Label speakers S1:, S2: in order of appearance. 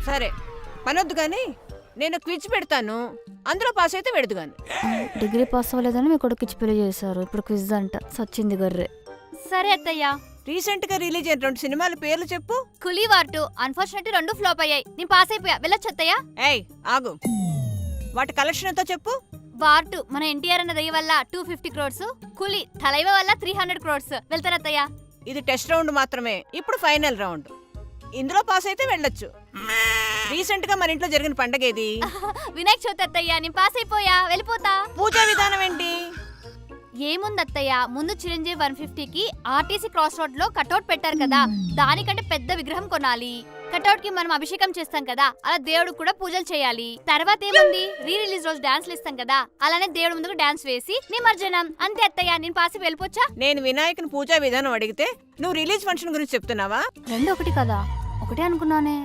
S1: సరే పనొద్దు గాని నేను క్విజ్ పెడతాను, అందులో పాస్ అయితే పెడదు గాని.
S2: డిగ్రీ పాస్ అవ్వలేదని మీ కొడుకు ఇచ్చి పెళ్లి చేశారు, ఇప్పుడు క్విజ్ అంట, సచ్చింది గర్రె.
S3: సరే అత్తయ్య.
S1: రీసెంట్ గా రిలీజ్ అయిన 2 సినిమాల పేర్లు చెప్పు.
S3: కులీ వార్ 2 అన్ఫార్చునేట్లీ 2 ఫ్లాప్ అయ్యాయి. నేను పాస్ అయిపోయా, వెళ్ళొచ్చు అత్తయ్య.
S1: ఏయ్ ఆగు, వాటి కలెక్షన్ ఎంతో చెప్పు.
S3: వార్ 2 మన ఎన్టీఆర్ అన్న దయ వల్ల 250 crores, కులీ తలైవ వల్ల 300 crores. వెళ్తారు అత్తయ్య.
S1: ఇది టెస్ట్ రౌండ్ మాత్రమే, ఇప్పుడు ఫైనల్ రౌండ్. ఇందులో పాస్ అయితే వెళ్ళొచ్చు. రీసెంట్ గా మన ఇంట్లో జరిగిన పండగ ఏది?
S3: వినాయక చవితి అత్తయ్య. నేను పాస్ అయిపోయా, వెళ్ళిపోతా.
S1: పూజా విధానం ఏంటి?
S3: ఏముంది అత్తయ్య, ముందు చిరంజీవి 150కి ఆర్టీసీ క్రాస్ రోడ్ లో కటౌట్ పెట్టారు కదా, దానికంటే పెద్ద విగ్రహం కొనాలి. కటౌట్ కి మనం అభిషేకం చేస్తాం కదా, అలా దేవుడు కూడా పూజలు చేయాలి. తర్వాత ఏముంది, రీ రిలీజ్ రోజు డాన్స్లు ఇస్తాం కదా, అలానే దేవుడు ముందుకు డాన్స్ వేసి నిమజ్జనం. అంతే అత్తయ్య, నేను పాసి వెళ్ళిపోచ్చా?
S1: నేను వినాయకుని పూజా విధానం అడిగితే నువ్వు రిలీజ్ ఫంక్షన్ గురించి చెప్తున్నావా?
S2: రెండు ఒకటి కదా, ఒకటే అనుకున్నానే.